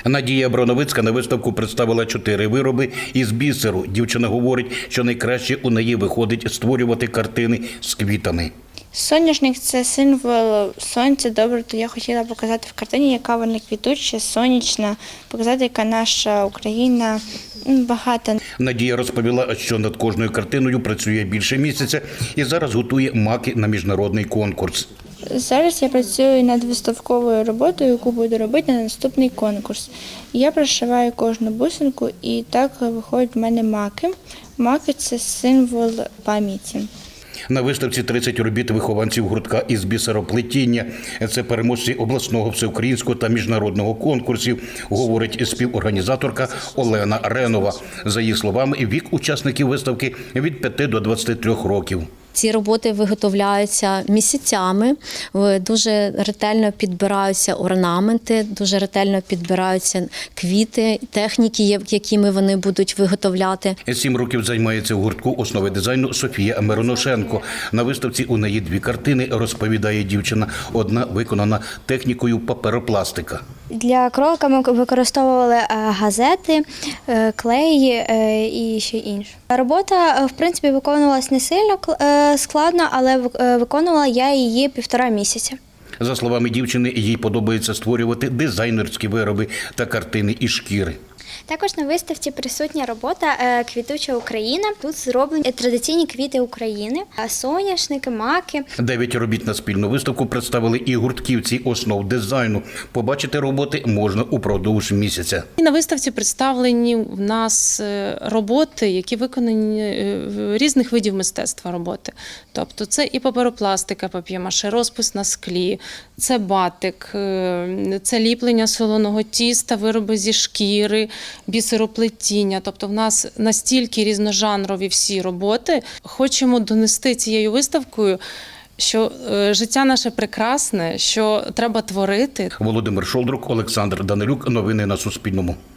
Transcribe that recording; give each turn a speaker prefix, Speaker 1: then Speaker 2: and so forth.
Speaker 1: Надія Броновицька на виставку представила 4 вироби із бісеру. Дівчина говорить, що найкраще у неї виходить створювати картини з квітами.
Speaker 2: Соняшник – це символ сонця, добре, то я хотіла показати в картині, яка вона квітуча, сонячна, показати, яка наша Україна багата.
Speaker 1: Надія розповіла, що над кожною картиною працює більше місяця і зараз готує маки на міжнародний конкурс.
Speaker 2: Зараз я працюю над виставковою роботою, яку буду робити на наступний конкурс. Я прошиваю кожну бусинку і так виходять в мене маки. Маки – це символ пам'яті.
Speaker 1: На виставці 30 робіт вихованців гуртка із бісероплетіння. Це переможці обласного, всеукраїнського та міжнародного конкурсів, говорить співорганізаторка Олена Ренова. За її словами, вік учасників виставки від 5 до 23 років.
Speaker 3: Ці роботи виготовляються місяцями, дуже ретельно підбираються орнаменти, дуже ретельно підбираються квіти, техніки, якими вони будуть виготовляти.
Speaker 1: 7 років займається в гуртку основи дизайну Софія Мироношенко. На виставці у неї 2 картини, розповідає дівчина. Одна виконана технікою паперопластика.
Speaker 4: Для кролика ми використовували газети, клей і ще інше. Робота, в принципі, виконувалась не сильно складно, але виконувала я її 1,5 місяця.
Speaker 1: За словами дівчини, їй подобається створювати дизайнерські вироби та картини із шкіри.
Speaker 4: Також на виставці присутня робота «Квітуча Україна». Тут зроблені традиційні квіти України, соняшники, маки.
Speaker 1: 9 робіт на спільну виставку представили і гуртківці основ дизайну. Побачити роботи можна упродовж місяця.
Speaker 5: На виставці представлені в нас роботи, які виконані різних видів мистецтва роботи. Тобто це і паперопластика, пап'є-маше, розпис на склі, це батик, це ліплення солоного тіста, вироби зі шкіри, бісероплетіння. Тобто в нас настільки різножанрові всі роботи. Хочемо донести цією виставкою, що життя наше прекрасне, що треба творити.
Speaker 1: Володимир Шолдрук, Олександр Данилюк. Новини на Суспільному.